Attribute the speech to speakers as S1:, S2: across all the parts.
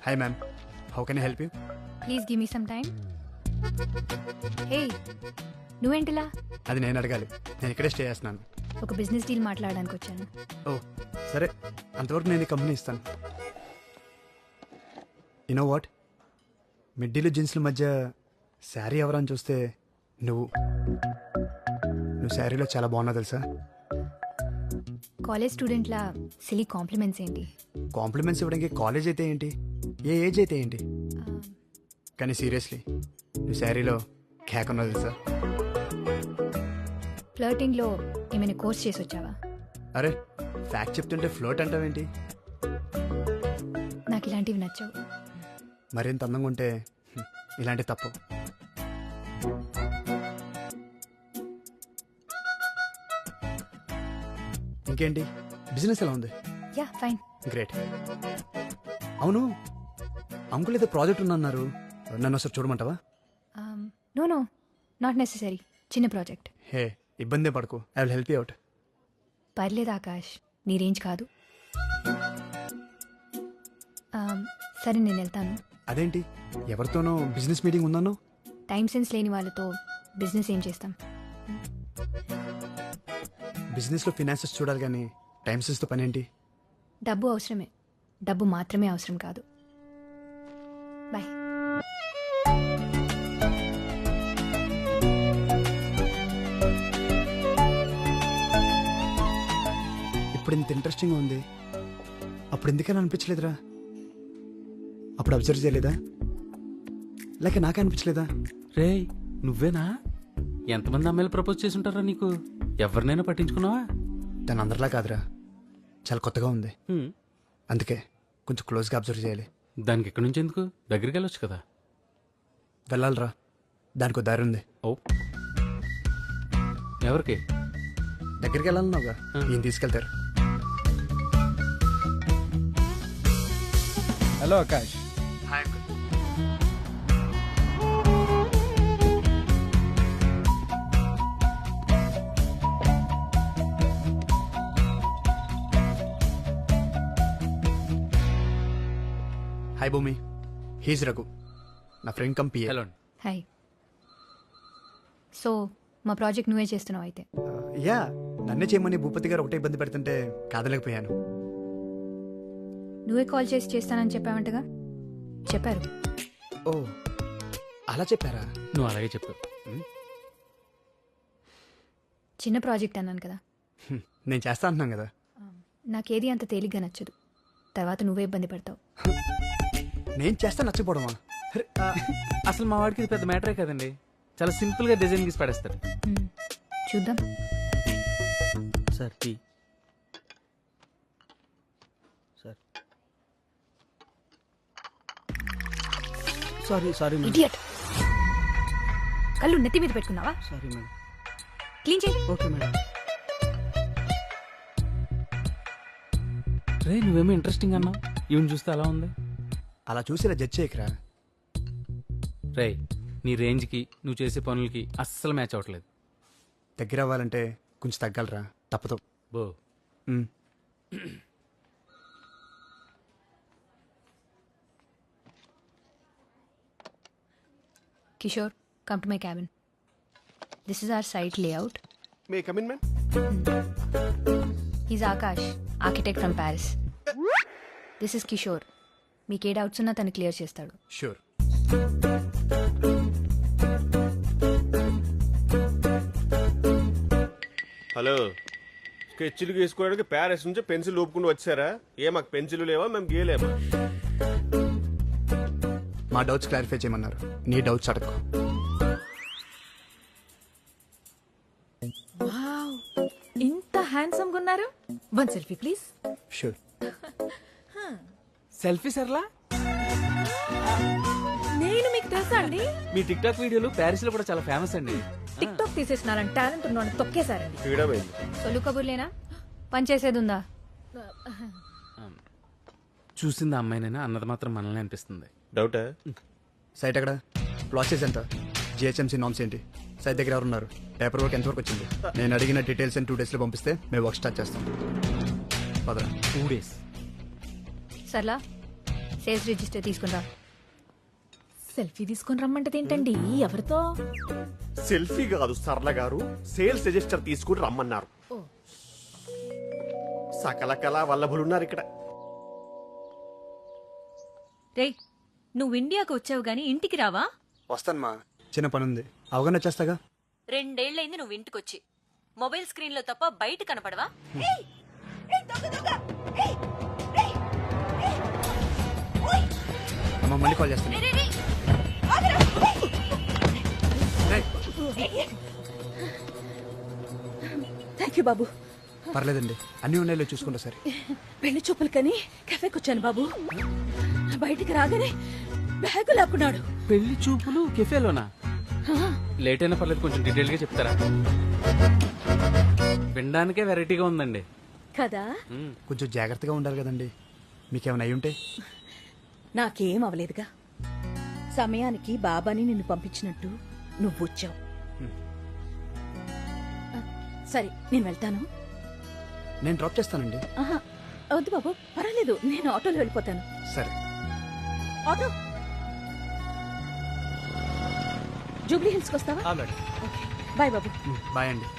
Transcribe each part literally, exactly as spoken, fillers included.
S1: Hi ma'am, how can I help you?
S2: Please give me some time. Hey, నువ్వేంటిలా?
S1: అది నేను అడగాలి, నేను ఇక్కడే స్టే చేస్తున్నాను.
S2: ఒక బిజినెస్ డీల్ మాట్లాడడానికి వచ్చాను.
S1: ఓ సరే, అంతవరకు నేను ఈ కంపెనీ ఇస్తాను. యూనో వాట్, మిడ్డీలు జీన్స్ల మధ్య శారీ ఎవరని చూస్తే నువ్వు నువ్వు శారీలో చాలా బాగున్నావు తెలుసా.
S2: కాలేజ్ స్టూడెంట్లా సిలీ కాంప్లిమెంట్స్ ఏంటి?
S1: కాంప్లిమెంట్స్ ఇవ్వడానికి కాలేజ్ అయితే ఏంటి, ఏ ఏజ్ అయితే ఏంటి, కానీ సీరియస్లీ నువ్వు శారీలో క్యాక్ ఉన్నావు తెలుసా.
S2: ఫ్లర్టింగ్లో ఏమైనా కోర్స్ చేసి వచ్చావా?
S1: అరే ఫ్యాక్ట్ చెప్తుంటే ఫ్లోట్ అంటావేంటి?
S2: నాకు ఇలాంటివి నచ్చవు.
S1: మరింత అందంగా ఉంటే హ్మ్, ఇలాంటి తప్పు. ఇంకేంటి, బిజినెస్ ఎలా ఉంది?
S2: Yeah fine.
S1: గ్రేట్. అవును, అంకుల్ ఏదో ప్రాజెక్ట్ ఉందన్నారు, నన్ను ఒకసారి చూడమంటావా?
S2: No no, not necessary. చిన్న ప్రాజెక్ట్.
S1: హే ఇబ్బంది పడకు, I will help you out.
S2: పర్లేదు ఆకాష్, నీ రేంజ్ కాదు. Um, సరే నేను వెళ్తాను.
S1: అదేంటి, ఎవరితోనో బిజినెస్ మీటింగ్ ఉందన్నో?
S2: టైం సెన్స్ లేని వాళ్ళతో బిజినెస్ ఏం చేస్తాం?
S1: బిజినెస్లో ఫినాన్సెస్ చూడాలి కానీ టైం సెన్స్తో పని ఏంటి?
S2: డబ్బు అవసరమే, డబ్బు మాత్రమే అవసరం కాదు. బాయ్.
S1: ఇప్పుడు ఇంత ఇంట్రెస్టింగ్గా ఉంది, అప్పుడు ఎందుకని అనిపించలేదురా? అప్పుడు అబ్జర్వ్ చేయలేదా, లేక నాకే అనిపించలేదా?
S3: రే నువ్వేనా? ఎంతమంది అమ్మాయిలు ప్రపోజ్ చేసి ఉంటారా నీకు? ఎవరినైనా పట్టించుకున్నావా?
S1: తను అందరిలా కాదురా, చాలా కొత్తగా ఉంది,
S3: హ్మ్.
S1: అందుకే కొంచెం క్లోజ్గా అబ్జర్వ్ చేయాలి.
S3: దానికి ఎక్కడి నుంచి ఎందుకు, దగ్గరికి వెళ్ళొచ్చు కదా.
S1: వెళ్ళాలిరా, దానికి దారి ఉంది.
S3: ఓ ఎవరికి?
S1: దగ్గరికి వెళ్ళాలన్నావుగా, ఈయన తీసుకెళ్తారు.
S4: Hello Akash.
S1: Hi uncle. Hi Bhumi, he's Raghu, నా ఫ్రెండ్ కంపీ.
S3: హలో.
S2: హాయ్. సో మా ప్రాజెక్ట్ నువ్వే చేస్తున్నావు అయితే?
S1: యా, నన్నే చేయమని భూపతి గారు ఒకటే ఇబ్బంది పెడుతుంటే కాదలేకపోయాను.
S2: నువ్వే కాల్ చేసి చేస్తానని చెప్పావంటగా. చెప్పారు.
S1: ఓ అలా చెప్పారా?
S3: నువ్వు అలాగే చెప్పు.
S2: చిన్న ప్రాజెక్ట్ అన్నాను కదా.
S1: హ్మ్, నేను చేస్తా అంటున్నాను కదా.
S2: నాకేది అంత తేలిగ్గా నచ్చదు, తర్వాత నువ్వే ఇబ్బంది పడతావు.
S1: నేను చేస్తా నచ్చపోవడమా? అరే,
S3: అసలు మా వాడికి ఇది పెద్ద మ్యాటరే కదండి, చాలా సింపుల్ గా డిజైన్ గీసి పడేస్తాడు.
S2: మ్మ్. చూద్దాం.
S3: Sir tea. Sir sorry sorry madam.
S2: Idiot. కళ్ళు నెత్తి మీద పెట్టుకున్నావా?
S3: Sorry madam.
S2: క్లీన్ చేయి.
S3: Okay madam. రే నువ్వేమో ఇంట్రెస్టింగ్ అన్నావు, ఈవెన్ చూస్తే అలా ఉంది.
S1: అలా చూసి ఇలా జడ్జ్ చేయకరా.
S3: రే నీ రేంజ్కి నువ్వు చేసే పనులకి అస్సలు మ్యాచ్ అవ్వట్లేదు.
S1: దగ్గర అవ్వాలంటే కొంచెం తగ్గలరా, తప్పదు.
S3: బో
S1: మ్.
S2: Kishore, come to my cabin. This is our site layout.
S5: May I come in, ma'am?
S2: He's Akash, architect from Paris. This is Kishore. మీకు ఏ డౌట్స్ ఉన్నా తను క్లియర్ చేస్తాడు.
S1: షూర్.
S5: హలో, స్కెచ్లు గీసుకోవడానికి ప్యారిస్ నుంచి పెన్సిల్ ఊపుకుంటూ వచ్చారా? ఏ మాకు పెన్సిల్ లేవా, మేము గీయలేమా?
S1: మా డౌట్స్ క్లారిఫై చేయమన్నారు, నీ డౌట్స్ అడగకు.
S6: వావ్, ఇంత హ్యాండ్సమ్ గా ఉన్నారు. One selfie please.
S1: Sure.
S3: Selfie Sarla.
S6: నేను మీకు తెలుసా అండి?
S3: మీ టిక్ టాక్ వీడియోలు ప్యారిస్ లో కూడా చాలా ఫేమస్ అండి.
S6: టిక్ టాక్ తీసేసినారని టాలెంట్ ఉన్నాను తొక్కేశారండి.
S5: ఫ్రీడమ్ అయింది.
S2: సొల్లు కబుర్లేనా, పని చేసేది ఉందా?
S3: చూసింది అమ్మాయినైనా అన్నది మాత్రం మనల్ని అనిపిస్తుంది.
S5: డౌటా?
S1: సైట్ ఎక్కడ, ప్రాసెస్ ఎంత, జిహెచ్ఎంసీ నామ్స్ ఏంటి, సైట్ దగ్గర ఎవరున్నారు, పేపర్ వర్క్ ఎంతవరకు వచ్చింది, నేను అడిగిన డీటెయిల్స్ టూ డేస్లో పంపిస్తే మేము వర్క్ స్టార్ట్ చేస్తాం. పదరా.
S3: Two days
S2: Sarla, sales register తీసుకుందా.
S6: సెల్ఫీ తీసుకొని రమ్మంటది ఏంటండి? ఎవరితో?
S5: సెల్ఫీ కాదు సరళ గారు, సేల్స్ రిజిస్టర్ తీసుకుని రమ్మన్నారు.
S6: ఓ.
S5: సకల కళా వల్లభులున్నారు ఇక్కడ.
S4: రేయ్, నువ్వు ఇండియాకు వచ్చావు గాని ఇంటికి రావా?
S1: వస్తాను మా, చిన్న పని ఉంది, అవగానే వచ్చేస్తాగా.
S4: రెండేళ్లైంది నువ్వు ఇంటికొచ్చి. మొబైల్ స్క్రీన్ లో తప్ప బయట కనపడవా?
S1: అమ్మ మళ్ళీ కాల్ చేస్తాను.
S7: థ్యాంక్ యూ బాబు.
S1: పర్లేదండి, అన్ని ఉన్నాయో చూసుకుంటా సరే.
S7: పెళ్లి చూపులకని కెఫేకి వచ్చాను బాబు. బయటికి రాగానే బ్యాగు లాక్కున్నాడు.
S3: పెళ్లి చూపులు కెఫేలోనా? లేట్ అయినా పర్లేదు, కొంచెం డీటెయిల్ గా చెప్తారా? వినడానికే వెరైటీగా ఉందండి.
S7: కదా,
S3: మ్మ్.
S1: కొంచెం జాగ్రత్తగా ఉండాలి కదండి, మీకేమైనా అయి ఉంటే.
S7: నాకేం అవలేదుగా. సమయానికి బాబాని నిన్ను పంపించినట్టు నువ్వు వచ్చావు. సరే, నేను వెళ్తాను.
S1: నేను డ్రాప్ చేస్తానండి.
S7: ఆహా, వద్దు బాబు, పర్వాలేదు, నేను ఆటోలో వెళ్ళిపోతాను.
S1: సరే.
S7: ఆటో జూబ్లీ హిల్స్కి వస్తావా?
S1: మేడం.
S7: ఓకే, బాయ్ బాబు.
S1: బాయ్ అండి.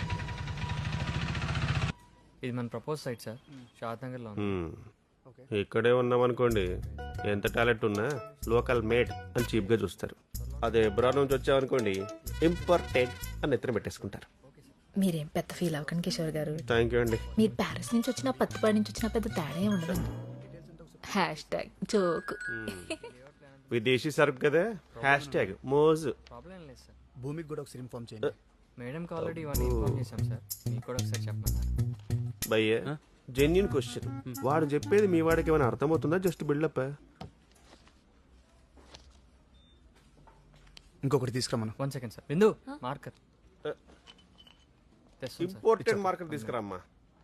S8: ఇది మన propose site sir, Shadnagar లో ఉంది.
S5: మ్మ్. ఇక్కడే ఉన్నామనుకోండి, ఎంత టాలెంట్ ఉన్నా లోకల్ మేడ్ అని చీప్ గా చూస్తారు. అదే ఎబ్రాడ్ నుంచి వచ్చామనుకోండి, ఇంపార్టెంట్ అని ఎత్తున పెట్టేసుకుంటారు.
S6: మీరేం పెద్ద ఫీల్ అవ్వకండి కిషోర్ గారు.
S5: థ్యాంక్ యూ అండి.
S6: మీరు ప్యారిస్ నుంచి వచ్చినా పత్తిపాడి నుంచి వచ్చినా పెద్ద తేడా ఏం ఉండదండి. Hashtag joke.
S5: విదేశీ సరుకు కదా, హ్యాష్ ట్యాగ్ మోజు.
S8: ప్రాబ్లం లేదు సార్,
S1: భూమికి కూడా ఒకసారి ఇన్ఫార్మ్ చేయండి.
S8: మేడంకి ఆల్రెడీ ఇవన్నీ ఇన్ఫార్మ్ చేశాం సార్, మీకు కూడా ఒకసారి చెప్పమన్నారు.
S5: భయ్య, జెన్యున్ క్వశ్చన్. వాడు చెప్పేది మీ వాడికి ఏమైనా అర్థమవుతుందా? Just buildup.
S1: ఇంకొకటి తీసుకురమ్మను.
S8: One second sir, Bindu marker తెస్తాను సార్.
S5: ఇంపార్టెంట్ మార్కెట్ తీసుకురామ్మా.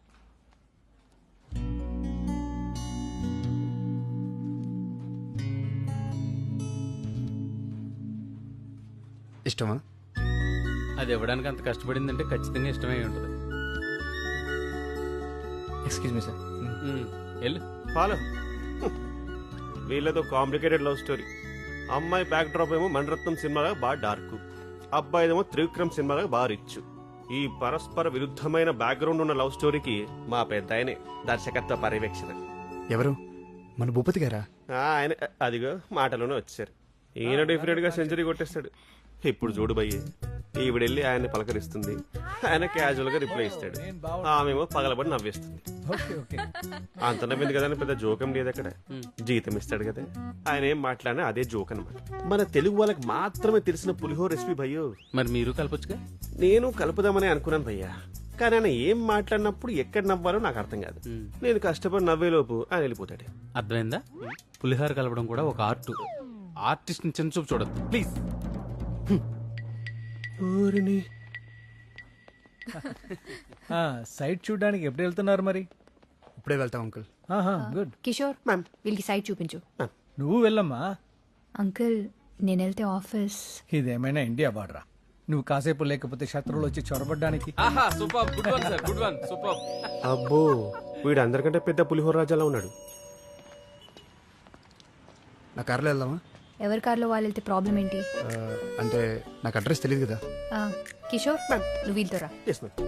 S1: ఇష్టమా?
S3: అది ఇవ్వడానికి అంత కష్టపడిందంటే ఖచ్చితంగా ఇష్టమై ఉంటుంది.
S8: Excuse me sir.
S3: మ్మ్. వెళ్ళు.
S5: ఫాలో. వీళ్ళతో కాంప్లికేటెడ్ లవ్ స్టోరీ. అమ్మాయి బ్యాక్ డ్రాప్ ఏమో మణరత్నం సినిమాగా బాగా డార్క్, అబ్బాయిదేమో త్రివిక్రమ్ సినిమాగా బాగా రిచ్. ఈ పరస్పర విరుద్ధమైన బ్యాక్గ్రౌండ్ ఉన్న లవ్ స్టోరీకి మా పెద్ద ఆయనే దర్శకత్వ పర్యవేక్షణ.
S1: ఎవరు? మన భూపతి గారా?
S5: ఆ, ఆయన అదిగో మాటలోనే వచ్చారు. ఈయన డెఫినెట్ గా సెంచరీ కొట్టేస్తాడు. ఇప్పుడు చూడు భయ్య, ఈవిడెళ్ళి ఆయన్ని పలకరిస్తుంది, ఆయన క్యాజువల్ గా రిప్లై ఇస్తాడు, ఆమెమో పగలబడి నవ్వేస్తుంది. అంత నవ్వింది కదా అని పెద్ద జోకం లేదు అక్కడ. జీతం ఇస్తాడు కదా, ఆయన ఏం మాట్లాడినా అదే జోక్ అనమాట. మన తెలుగు వాళ్ళకి మాత్రమే తెలిసిన పులిహోర రెసిపీ భయ్యో.
S3: మరి మీరు కలపొచ్చుగా.
S5: నేను కలుపుదామని అనుకున్నాను భయ్యా, కానీ ఆయన ఏం మాట్లాడినప్పుడు ఎక్కడ నవ్వాలో నాకు అర్థం కాదు. నేను కష్టపడి నవ్వేలోపు ఆయన వెళ్ళిపోతాడు.
S3: అర్థమైందా? పులిహార కలపడం కూడా ఒక ఆర్ట్. ఆర్టిస్ట్ ని చిన్న చూపు చూడద్దు ప్లీజ్.
S9: సైట్ చూడడానికి ఎప్పుడు వెళ్తున్నారు మరి?
S1: ఇప్పుడే వెళ్తాం అంకుల్.
S9: గుడ్.
S2: కిషోర్,
S5: మ్యామ్.
S2: వీళ్ళకి సైట్ చూపించు.
S9: నువ్వు వెళ్ళమ్మా.
S2: అంకుల్, నేను వెళ్తే ఆఫీస్.
S9: ఇదేమైనా ఇండియా బార్డరా? నువ్వు కాసేపు లేకపోతే శత్రువులు వచ్చి చొరబడ్డానికి.
S3: ఆహా, super, good one sir, good one, super.
S5: అబ్బో, వీడు అందరికంటే పెద్ద పులిహోర రాజాలా ఉన్నాడు.
S1: నా కార్లో వెళ్దామా?
S2: ఎవరి కార్లో వాళ్ళు వెళ్తే ప్రాబ్లం ఏంటి?
S1: ఆ, అంటే నాకు అడ్రస్ తెలియదు కదా.
S2: ఆ, కిషోర్, నువ్వు వీళ్ళతో రా.
S5: Yes ma'am.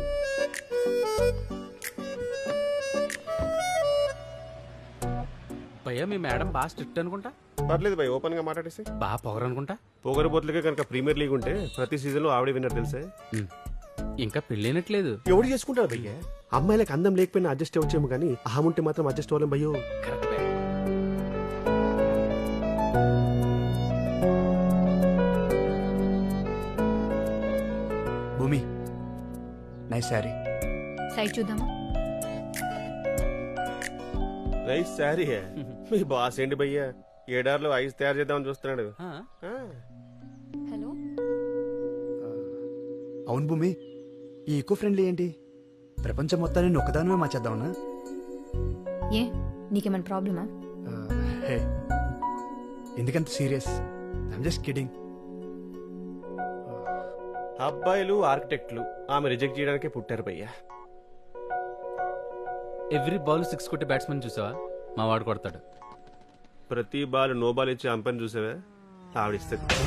S3: భయ్యా, మీ మేడం బాగా స్ట్రిక్ట్ అనుకుంటా.
S5: పర్లేదు భయ్, ఓపెన్ గా మాట్లాడేసి.
S3: బాగా పొగరు అనుకుంటా.
S5: పొగరబోతులకే కనుక ప్రీమియర్ లీగ్ ఉంటే ప్రతి సీజన్ లో ఆవిడే విన్నర్ తెలుసా?
S3: మ్మ్. ఇంకా పెళ్ళైనట్లేదు.
S5: ఎవడు చేసుకుంటాడు భయ్య? అమ్మాయిలకు అందం లేకపోయినా అడ్జస్ట్ అవ్వచ్చేమో కానీ అహం ఉంటే మాత్రం అడ్జస్ట్ అవ్వలేం భయ్యో.
S3: Correct.
S1: Bhumi, nice sari.
S2: Site చూద్దామా?
S5: రైస్ శారీ. మీ బాస్ ఏంటి భయ్య, ఏడార్లో ఐస్ తయారు చేద్దామని చూస్తున్నాడు.
S3: ఆ,
S5: ఆ,
S2: హలో.
S1: అవును భూమి, ఈ ఈకో ఫ్రెండ్లీ ఏంటి? ప్రపంచం మొత్తాన్ని నేను ఒక్కదానమే మార్చేద్దామన్నా?
S2: ఏ, నీకేమైనా ప్రాబ్లమా?
S1: ఆ, హే, ఎందుకంత సీరియస్? I'm just kidding.
S5: అబ్బాయిలు ఆర్కిటెక్ట్లు ఆమె రిజెక్ట్ చేయడానికే పుట్టారు భయ్య.
S3: ఎవ్రీ బాల్ సిక్స్ కొట్టే బ్యాట్స్మెన్ చూసావా? మా వాడు కొడతాడు.
S5: ప్రతి బాల్ నో బాల్ ఇచ్చి అంపని చూసావే ఆవిడిస్తుంది